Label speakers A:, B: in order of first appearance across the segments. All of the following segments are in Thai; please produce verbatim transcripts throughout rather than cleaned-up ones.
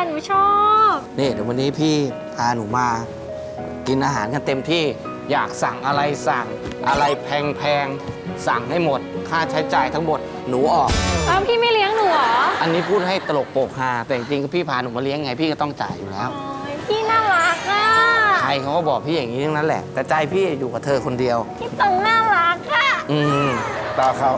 A: หนูชอบ
B: นี่เดี๋ยววันนี้พี่พาหนูมา กินอาหารกันเต็มที่อยากสั่งอะไรสั่งอะไรแพงๆสั่งให้หมดค่าใช้จ่ายทั้งหมดหนูออก
A: แล้วพี่ไม่เลี้ยงหนูเหรอ
B: อันนี้พูดให้ตลกโปกฮาแต่จริงๆพี่พาหนูมาเลี้ยงไงพี่ก็ต้องจ่ายอยู่แล้ว
A: โอ้ยพี่น่ารักอ่ะ
B: ใครเขาก็บอกพี่อย่างนี้ทั้งนั้นแหละ แต่ใจพี่อยู่กับเธอคนเดียว
A: พี่ตรงน่ารักอ่ะ
B: อืม
C: ตาเขา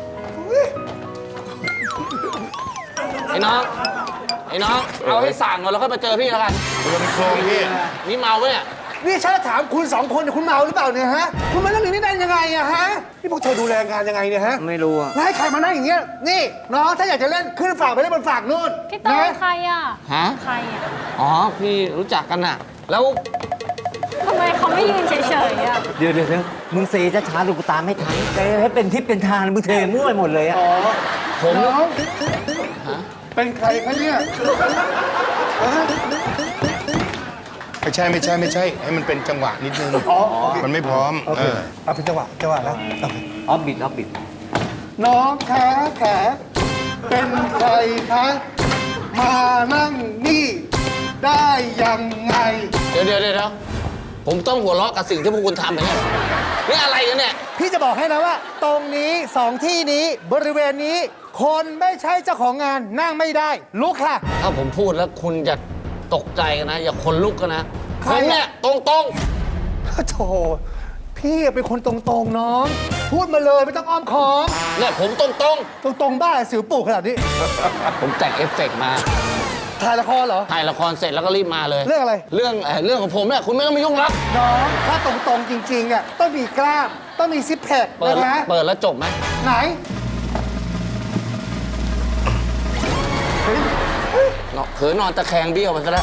B: ไอ้น้องไอ้น้องเอาให้สั่งก่อนแล้วค่อยมาเจอพี่แล้วกัน
C: เป็นโครงพี่
B: นี่เมาปะเนี่ย
D: นี่ฉันจะถามคุณสองคนเนี่ยคุณเมาหรือเปล่าเนี่ยฮะ คุณมาเรื่องนี้ได้ยังไงอะฮะ นี่พวกเธอดูแลงานยังไงเนี่ยฮะ
B: ไม่รู้อะ
D: แล้วให้ใครมานั่งอย่างเงี้ย นี่น้องถ้าอยากจะเล่นขึ้นฝากไปเล่นบนฝากนู่น
A: พี่ตรง
D: นะ
A: ใครอ่ะ
B: ฮะ
A: ใครอ่ะ
B: อ๋อพี่รู้จักกันอะแล้ว
A: ทำไมเขาไม่ยืนเฉยๆอ่ะ
E: เดี๋ยวเดี๋ยวเดี๋ยวมึงเซจะช้าดูกูตามไม่ทันแกให้เป็นทิศเป็นทางมึงเทมั่วไปหมดเลยอะ
D: อ๋อ
B: ผม
D: น้อง
B: ฮะ
D: เป็นใครคะเนี่ยฮะ
C: ไม่ใช่ไม่ใช่ไม่ใช่ ให้มันเป็นจังหวะนิดนึง
D: อ๋อ
C: มันไม่พร้อม
D: โอเค
C: เออ
D: เอาเป็นจังหวะจังหวะแล้วโอเค
E: ออฟบิดออฟบิด
D: น้องแขแขเป็นใครคะมานั่งนี่ได้ยังไง
B: เดี๋ยวเดี๋ยวเดี๋ยวผมต้องหัวเราะกับสิ่งที่พวกคุณทำเหรอเนี่ยนี่อะไรกันเนี่ย
D: พี่จะบอกให้นะว่า ตรงนี้สองที่นี้บริเวณนี้ คนไม่ใช่เจ้าของงานนั่งไม่ได้ ลุกค่ะ
B: ถ้าผมพูดแล้วคุณจะตกใจกันนะ อย่าขนลุกกันนะ
D: ใค
B: ผ
D: ร
B: ม
D: อะ
B: เนี่ยตรงตรง
D: โธ่พี่เป็นคนตรงๆน้อง พูดมาเลยไม่ต้องอ้อมค้อม
B: ๆเนี่ยผมตรงตรง
D: ตรงๆบ้าสิวปลูกขนาดนี้
B: ๆผมแต่งเอฟเฟกต์มา
D: ถ่ายละครเหรอ
B: ถ่ายละครเสร็จแล้วก็รีบมาเลย
D: เรื่องอะไร
B: เรื่องเอ่อเรื่องของผมเนี่ยคุณไม่ต้องมายุ่งรับ
D: น้อง ถ้าตรงๆจริงๆอ่ะต้องมีกล้าม ต้องมีซิปแพค
B: เปิด
D: นะ
B: เปิดแล้วจบไหม
D: ไหน
B: เนาะเผลอนอนตะแคงเบี้ยวไปซะแล้ว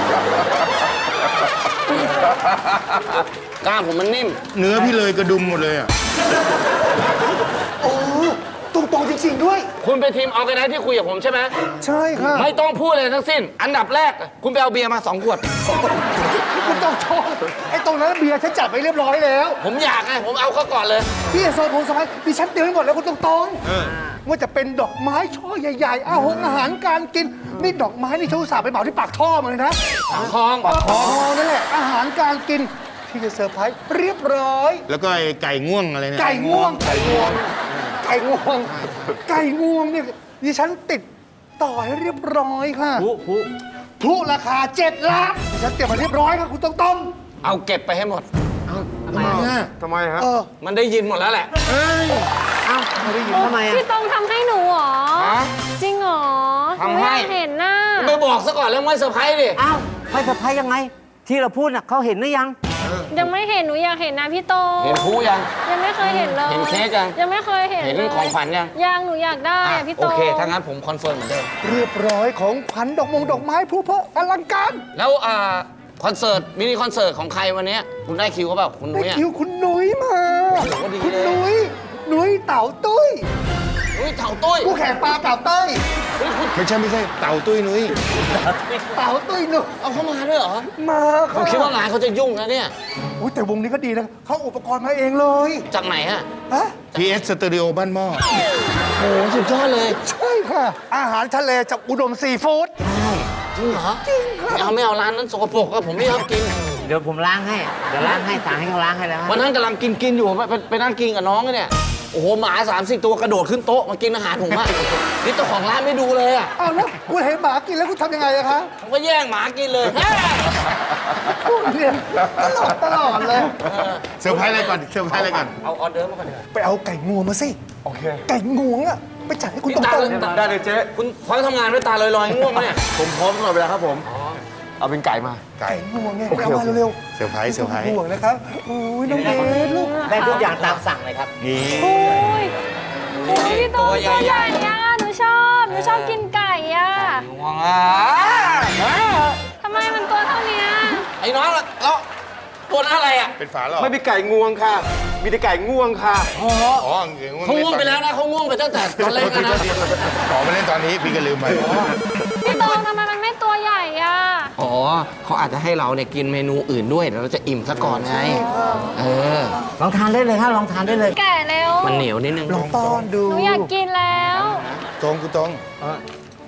B: กล้ามผมมันนิ่ม
C: เนื้อพี่เลยกระดุมหมดเลยอ่ะ
D: โอ้ตรงๆจริงๆด้วย
B: คุณเป็นทีมออร์แกไนซ์ที่คุยกับผมใช่ไหม
D: ใช่ค่ะ
B: ไม่ต้องพูดเลยทั้งสิ้น อันดับแรก คุณไปเอาเบียร์มาสองขวด
D: คุณต้องโทษไอ้ตรงนั้นเบียร์ฉันจัดไว้เรียบร้อยแล้ว
B: ผมอยากไงผมเอาเขาก่อนเลย
D: พี่โซนผมสบายดิฉันเตรียมไว้หมดแล้วคุณตรงๆว่าจะเป็นดอกไม้ช่อใหญ่ๆอาหงอาหารการกิน นี่ดอกไม้นี่ฉันอุตส่าห์ไปเหมาที่ปากท่อมาเลยนะ
B: ปากคลอง
D: ปากท่อนั่นแหละ อาหารการกินที่จะเซอร์ไพรส์เรียบร้อย
C: แล้วก็ไอ้ไก่ง่วงอะไรเนี่ย
D: ไก่ง่วง ไก่ง่วง ไก่ง่วง ไก่ง่วงเนี่ยดิฉันติดต่อให้เรียบร้อยค่ะ
E: ผู้ผู้
D: พลุราคาเจ็ดล้านดิฉันเตรียมมาเรียบร้อยค่ะคุณตรง
B: เอาเก็บไปให้หมด
E: ทำไมอะ
C: ทำไมฮะ
D: ๆเออ
B: มันได้ยินหมดแล้วแหละ
C: เอ้ย
E: เอ้าทำไมอะ
A: พี่ตรงทำให้หนูเหรอ
B: ฮะ
A: จริงเหรอ
B: ทำให้
A: นูอยากเห็นหน้า
B: ไม่บอกซะก่อนแล้วไม่เซอร์ไพรส์ดิ
E: เอ้าไม่สะพายยังไง ที่เราพูดน่ะเขาเห็นหรือยัง
A: ยังไม่เห็นหนูอยากเห็นนะพี่ตรง
B: เห็นผู้ยัง
A: ยังไม่เคยเห็นเลย
B: เห็นเค้กยัง
A: ยังไม่เคยเห็น
B: เห็น
A: เลย
B: ของขวัญยัง
A: ยังหนูอยากได้
B: อ่ะ
A: อะพี่ต
B: โอ
A: รง
B: เค ถ้างั้นผมคอนเฟิร์มเหมือนเดิม
D: เรียบร้อยของขวัญดอกมงดอกไม้พลุเพออลังการ
B: แล้วอ่าคอนเสิร์ตมินิคอนเสิร์ตของใครวันเนี้ยคุณได้คิวเขาเปล่าคุณ
D: ได้
B: นุ้ยอะ
D: คิวคุณนุ้ยมา
B: โอ้โหดี
D: คุณ
B: เลย
D: นุ้ย นุ้ยเต่าตุ้ย
B: นุ้ยเถ่าตุ้ย
D: ผู้แข่งปลาเต่าเต้ย
B: เฮ้ยคุณ
C: ไม่ใช่ไม่ใช่ เต่าตุ้ยนุ้ย
D: เต่าตุ้ยนุ้ย
B: เอาเข้ามาด้วยเหรอ
D: มา
B: ผ
D: ค่ะ
B: มคิดว่างานเขาจะยุ่งนะเนี่ย
D: อุ๊ยแต่วงนี้ก็ดีนะเขาอุปกรณ์มาเองเลย
B: จากไหนฮะ
D: ฮะ
C: พี เอส สตูดิโอบ้านหม้อ
B: โอ้โหสุดยอดเลย
D: ใช่ค่ะ อาหารทะเลจากอุดมซีฟู้ด
B: จริงเหรอจริงครับไม่เอาไม่เอาร้านนั้นสกปรกอะผมไม่ชอบกิน
E: เดี๋ยวผมล้างให้ เดี๋ยวล้างให้สั่งให้เขาล้างให้แล้ว
B: วันนั้นกำลังกินกินอยู่ไปไปไปนั่งกินกับน้องเนี่ย โอ้โหหมาสามสี่ตัวกระโดดขึ้นโต๊ะมากินอาหารผมอะนี่เจ้าของร้านไม่ดูเลยอะ
D: อ้าวแล้วคุณเห็นหมากินแล้วคุณทำยังไงอะคะ
B: ผมก็แย่งหมากินเลย
D: คุณเนี่ยตลอดตลอดเลย
C: เซอร์ไพรส์อะไรก่อน เซอร์ไพรส์อะไรก่อน
B: เอาออเดอร์มาก่อนดีกว่า
D: ไปเอาไก่งวงมาสิ โอเค ไก่งวงอะไปจัดให้คุณต
B: นี่
D: รง
B: ตา
D: ๆ
B: ได้เลยเจ๊คุณพร้อมทำงานด้วยตาลอยๆง่วงไหมเนี่ย
F: ผมพร้อมตลอดเวลาครับผม เอาเป็นไก่มา
C: ไก่
D: ไก่งวงไงไปเอามาเร็ว
C: เซอร์ไพรส์เซอร์ไพรส์
D: ๆห่วงนะครับโอ้ยน้องเบสลูก
E: ได้ทุกอย่างตามสั่งเลยครับ
C: นี่
A: โอ้ยโอ้ยพี่ตรงตัวใหญ่อะหนูชอบ หนูชอบกินไก่อะ
B: ง่วงอ่ะ
A: ทำไมมันตัวเท่าเนี้ย
B: ไอ้น้องแล้วตัวนั้นอะไรอ่ะ
C: เป็นฝาหรอ
F: ไม่มีไก่งวงค่ะ มีแต่ไก่ง่วงค่ะ
B: อ๋อ
C: อ๋อ
B: เขาง่วงไปแล้วนะเขาง่วงไปตั้งแต่ตอนเล่นกันนะ
C: ขอมาเล่นตอนนี้พี่ก็ลืมไป
A: พี่ตรงทำไมมันไม่ตัวใหญ่อะ
B: อ๋อเขาอาจจะให้เราเนี่ยกินเมนูอื่นด้วยเดี๋ยวเราจะอิ่มซะก่อนไง เออ
E: ลองทานได้เลยครับลองทานได้เลย
A: แก่แล้ว
B: มันเหนียวนิดนึง
D: ลองต้อนดู
A: หนูอยากกินแล้ว
C: ตรงกูตรง
B: น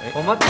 E: ผมว่า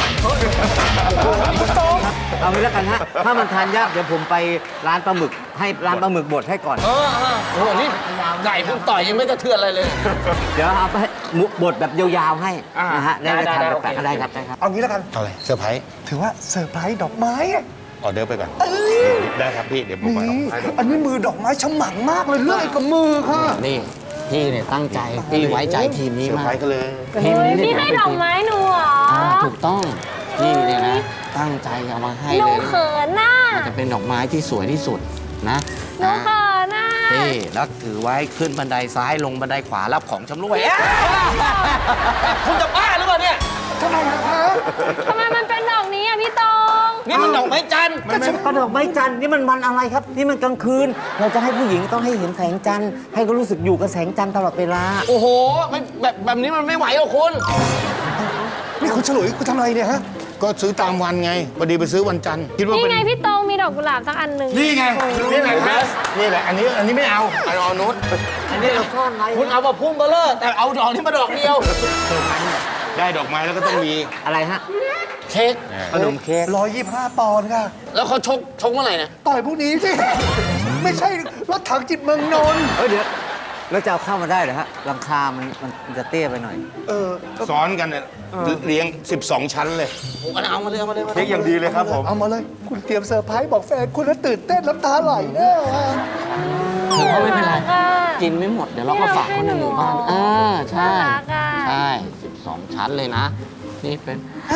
E: เอางี้แล้วกันฮะ ถ้ามันทานยากเดี๋ยวผมไปร้านปลาหมึกให้ร้านปลาหมึกบดให้ก่อน
B: เออเออโอ้โห นี่ไก่คุณต่อยยังไม่กระเทือนอะไรเลย
E: เดี๋ยวเอาไปให้หมูบดแบบยาวๆให้
B: อ่า
E: นะฮะ ได้
B: ได้
E: ทาน
B: ได้
E: แปลก
B: โอเค
E: ๆได้ครับได้ครับ
D: เอางี้แล้วกัน
C: เอาเลยเซอร์ไพรส์
D: ถือว่าเซอร์ไพรส์ดอกไม้อะ
C: ออเดอร์ไปก่อน ได้ครับพี่ เดี๋ยวผมมา
D: นี่อันนี้มือดอกไม้ฉมังมากเลยเลื่อยกับมือค่ะ
B: นี่พี่เนี่ยตั้งใจ พี่ไว้ใจทีมนี้
C: เซอร์
B: มา
C: ไพร
B: ก
C: ส์กันเลย
B: ทีม
A: เฮ้ย
B: นี้
A: พี่ให้ดอกไม้หนูเหรอ
B: อ่าถูกต้องพี่เนี่ยนะ ตั้งใจเอามาให้
A: หนู
B: เลย
A: เขินน่ะ
B: มันจะเป็นดอกไม้ที่สวยที่สุดนะ
A: หนูเขินน่ะ
B: นี่แล้วถือไว้ขึ้นบันไดซ้ายลงบันไดขวารับของชำร่วยเอ๊ะคุณจะบ้าหรือเปล่าเนี่ย
D: ทำไมนะคะ
A: ทำไมมันเป็นดอกนี้อ่ะพี่ตอง
B: นี่มันดอกไม้จันทร์
E: ก็ฉันกระดอกไม้จันทร์นี่มันวันอะไรครับ นี่มันกลางคืน เราจะให้ผู้หญิงต้องให้เห็นแสงจันทร์ให้เขารู้สึกอยู่กับแสงจันทร์ตลอดเวลา
B: โอ้โหไม่แบบแบบนี้มันไม่ไหวหรอกคุณ
D: นี่คุณฉลุยคุณทำอะไรเนี่ยฮะ
C: ก็ซื้อตามวันไงพอดีไปซื้อวันจันทร์คิดว่า
A: นี่
C: เป็น
A: ไงพี่ตองมีดอกกุหลาบสักอันหนึ่ง
C: นี่ไง นี่แหละครับนี่แหละ อันนี้ อันนี้ไม่เอาเอาเอานุช
E: อันนี้เราซ่อนไว้
B: คุณเอามาพุ่มเบลเลอร์แต่เอาดอกนี้มาดอกเดียว
C: ได้ดอกไม้แล้วก็ต้องมี
E: อะไรฮะ
B: เค้ก
E: ขนมเค้ก
D: ร้อยยี่สิบห้าปอนด์ค่ะ
B: แล้วเขาชกชกเมื่อไหร่นะ
D: ต่อยพวกนี้สิ ไม่ใช่รถถังจิตเมืองนนท์
E: เฮ้ยเดี๋ยวแล้วจะเอาเข้ามาได้เหรอฮะหลังคามันมันจะเตี้ยไปหน่อย
D: เออ
C: ซ้อนกันเนี่ยเลี้ยง สิบสอง ชั้นเลย
B: ผมก็เอามาเลยเอามาเลยเอามา
F: เค้กอย่างดีเลยครับผม
D: เอามาเลย คุณเตรียมเซอร์ไพรส์บอกแฟนคุณแล้วตื่นเต้นน้ำตาไหลแน่ว่ะ
B: ถือว่าไม่เป็นไร
A: น่ารักอะ
B: กินไม่หมดเดี๋ยวเราก็ฝากคนในหมู่บ้านเออใช่
A: น่ารักอะ
B: ใช่ สิบสอง ชั้นเลยนะ นี่เป็น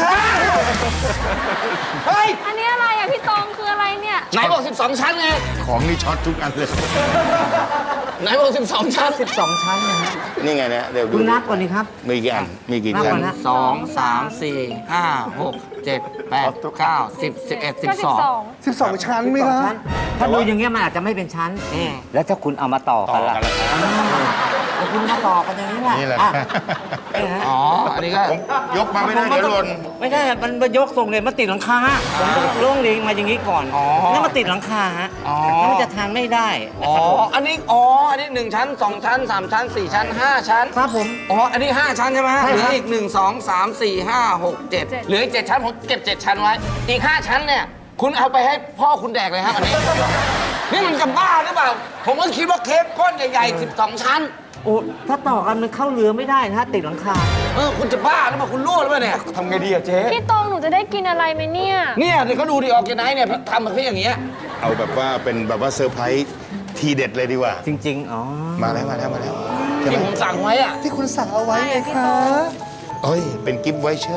A: อันนี้อะไรอ่ะพี่ตองคืออะไรเนี่ย
B: ไหนบอก สิบสอง ชั้นไง
C: ของนี่ช็อตทุกอันเลย
B: ไหนบอก สิบสอง ชั้น
E: สิบสองชั้นนะฮะ
C: นี่ไงเนี่ยเดี๋ยวดู
E: คุณนับก่อนนี่ครับ
C: มีกี่อันมีกี่
E: นับ
C: ชั้
E: ก่อน นนะ
B: สองสามสี่ห้าหกเจ็ดแปดเก้าสิบสิบเอ็ดสิบ
A: ก็
B: สอง
D: สิบสองชั้นไหมคะ
E: ชั้นถ้าดูอย่างเงี้ยมันอาจจะไม่เป็นชั้น แล้วถ้าคุณเอามาต่อ
C: ต่
E: กั
C: อน
E: ล่ะ
C: กันแล้ว
E: อ่าแล้วคุณมาต่อกันอย่างนี้แหละ
C: นี่แหละ
E: อ่นี่ฮะ
B: อ๋อ อันนี้ก็
C: ผมยกมาไม่ได้เดี๋ยวหล่น
E: ไม่ใช่มันมายกทรงเลยมาติดหลังคาผมต้องล่วงเลียงมาอย่างนี้ก่อน
B: อ๋อ
E: นี่มาติดหลังคาฮะ
B: อ๋อ
E: แล้วมันจะทานไม่ได้
B: อ๋อ อันนี้ อ๋อ อันนี้หนึ่งชั้นสองชั้นสามชั้นสี่ชั้นห้าชั้น
E: ครับผม
B: อ๋อ อันนี้ห้าชั้นใช่ไหม
E: ใช่
B: เหลื
E: ครั
B: อบ อีกหนึ่งสองสามสี่ห้าหกเจ็ดเหลืออีกเจ็ดชั้น ผมเก็บเจ็ดชั้นไว้ อีกห้าชั้นเนี่ย คุณเอาไปให้พ่อคุณแดกเลยครับอันนี้ นี่มันจะบ้าหรือเปล่า ผมก็คิดว่าเค้กก้อนใหญ่ๆสิบสอง ชั้น
E: โอ้ถ้าต่อกันมันเข้าเรือไม่ได้นะฮะติดหลังคา
B: เออ คุณจะบ้าหรือเปล่า คุณรั่วหรือเปล่าเนี่ย
F: ทำไงดีอะเจ๊
A: พี่ตองหนูจะได้กินอะไรไหมเนี่ย
B: เนี่ยเดี๋ยวเขาดูดิออกจากไหนเนี่ยทำแบบพี่อย่างเงี้ย
C: เอาแบบว่าเป็นแบบว่าเซอร์ไพรส์ทีเด็ดเลยดีกว่า
E: จริง ๆ อ๋อ
C: มาแล้วมาแล้วมาแล้วใช่ไหม
B: ที่ผมสั่งไว้อะ
D: ที่คุณสั่งเอาไว้ไงคะ
C: เอ้ย เป็นกิฟต์ไวเชอร์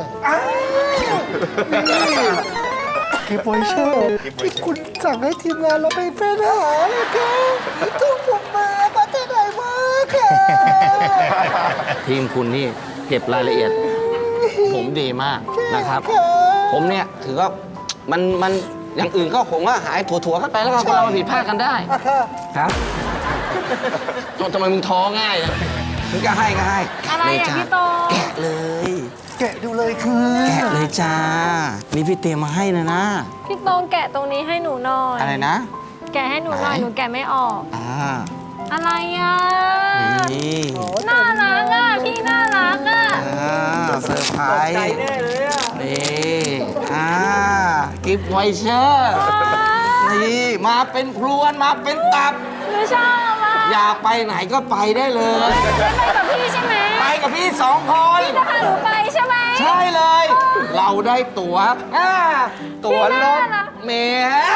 D: คือโปรเชอร์ที่คุณสั่งให้ทีมงานเราไปเป็นหาเลยค่ะทุกผมมามาที่ไหนมาค่ะ
B: ทีมคุณนี่เก็บรายละเอียด ผมดีมากนะครับ ผมเนี่ยถือว่ามันมันอย่างอื่นก็ผมว่าหายถั่วๆกันไปแล้วก็เราผิดพลาดกันได้
D: อ่ะค่ะ
B: ครับทำไมมึงท้อง่ายนะมึงก็ให้ก็ให้
A: อะไรอ่ะ
B: เลยจ้า
A: พี่โต
B: แกะเลย
D: แกะดูเลยค่ะ
B: แกะเลยจ้า นี่พี่เตรียมมาให้นะนะ
A: พี่ตองแกะตรงนี้ให้หนูหน่อย
B: อะไรนะ
A: แกะให้หนูหน่อย
B: ไหน
A: หนูแกะไม่ออก
B: อ่า
A: อะไรอ่ะ
B: นี่
A: น่ารักอ่ะพี่น่ารักอ่ะ
B: อ่าเซอร์ไพรส์
E: ใจแน่เลยอ่ะ
B: นี่อ่ากิฟต์ไวเชอร์นี่มาเป็นพรวนมาเป็นตับ
A: หนูชอบอ่ะ
B: อยากไปไหนก็ไปได้เลย
A: ได้ไปกับพี่ใช่ไหม
B: ไปกับพี่สองคน
A: พี่จะพาหนูไปใช่ไหม
B: ใช่เลย เราได้ตั๋วอ่าตั๋วรถเมล์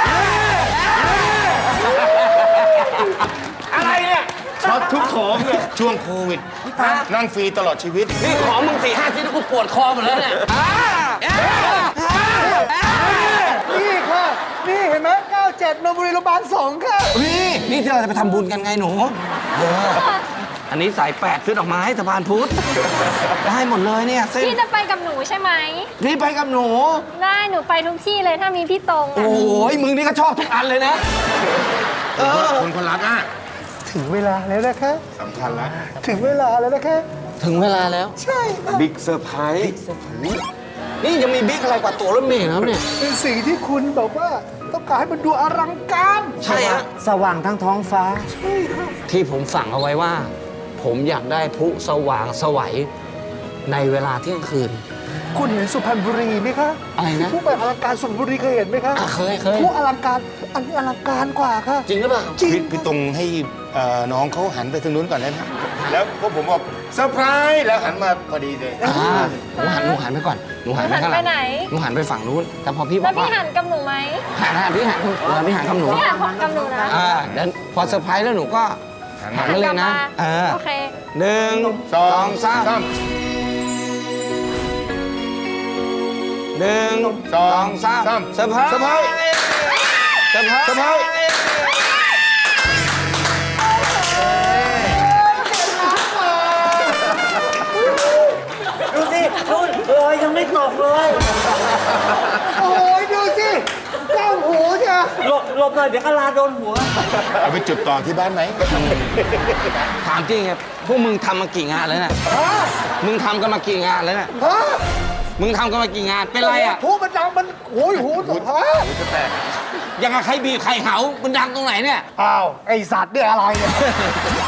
B: อะไรเนี่ย
C: ช็อตทุกของเลยช่วงโควิด นั่งฟรีตลอดชีวิต
B: นี่ของมึงสี่ห้าชิ้นแล้วกูปวดคอหมดแล้วเนี่ยอ่าอ่าอ่า
D: นี่ค่ะ นี่เห็นไหมเก้าเจ็ดนนบุรีโรงพยาบาลสองค่ะ
B: นี่นี่ที่เราจะไปทำบุญกันไงหนูเอออันนี้สายแปดซื้อดอกไม้สะพานพุทธได้หมดเลยเนี่ยเส้น
A: พี่จะไปกับหนูใช่ไหม
B: นี่ไปกับหนู
A: ได้หนูไปทุกที่เลยถ้ามีพี่ตรง
B: โอ้
A: อ่ะ
B: ยมึงนี่ก็ชอบทุกอันเลยนะ เออ
C: คนคนรักอ่ะ
D: ถึงเวลาแล้วนะคะ
C: สำคัญแล้ว
D: ถึงเวลาแล้วนะคะ
B: ถึงเวลาแล้ว
D: ใช่ค่ะ
F: บิ๊กเซอร์ไพรส์
B: นี่ยังมีบิ๊กอะไรกว่าตั๋วรถเมล์นะครับเนี่ย
D: เป็นสิ่งที่คุณแบบว่าต้องการให้มันดูอลังการ
B: ใช่ฮะ
E: สว่างทั้งท้องฟ้า
B: ที่ผมสั่งเอาไว้ว่า ผมอยากได้พลุสว่างไสวัยในเวลาเที่ยงคืน
D: คุณเห็นสุพรรณบุรีไหมคะ
B: อะไรนะ
D: ผู้แบบอลังการสุพรรณบุรีเคยเห็นไหมคะ
B: อ่ะเคยเคย
D: ผู้อลังการอันนี้อลังการกว่าค่ะ
B: จริงหรือเปล่า
D: จริง
C: พี่พี่ตรงให้เอ่อน้องเขาหันไปทางนู้นก่อนได้ไหมแล้วพวกผมบอกเซอร์ไพรส์แล้วหันมาพอดีเลย
B: อ่าหนูหันหนูหันไปก่อนหนูหันไปข้างหลัง
A: หันไปไหน
B: หนูหันไปฝั่งนู้นแต่พอพี่บ
A: แล้
B: อ
A: ว
B: ก
A: พี่
B: ว่า
A: หันกับหนูไหม
B: หันหันพี่หันหนูหันพี่หันกับหนู
A: พี่หันของกับหนูนะ
B: อ่าเดี๋ยวพอเซอร์ไพรส์แล้วหนูก็หันมาเลยนะเออ
A: โอเค
B: หนึ่ง
C: สอง
B: สาม
C: สาม
B: หนึ่ง
C: สอง
B: สาม
C: สาม
B: เซอร์ไพรส์
C: เซอร์ไพรส์
B: เซอร์ไพรส์
C: เซอร์ไพรส์
E: ดูสินู่นรอยยังไม่ตกเลย
D: โอ้ยดูสิเจ้าหูใช่ไหม
E: หลบหลบหน่อยเดี๋ยวกะลาโดนหัว
C: เอาไปจุดต่อที่บ้านไหม
B: ถามจริงครับพวกมึงทำมากี่งานแล้วเนี่ยมึงทำกันมากี่งานแล้วเนี่ย
D: ฮะ
B: มึงทำกันมากี่งานเป็นไรอ่ะ
D: หูมันดังมันโอ้ยหูฮะ
B: ยังกับใครบีบใครเหามันดังตรงไหนเนี่ย
D: อ้าวไอสัตว์เนี่ยอะไรเนี่ย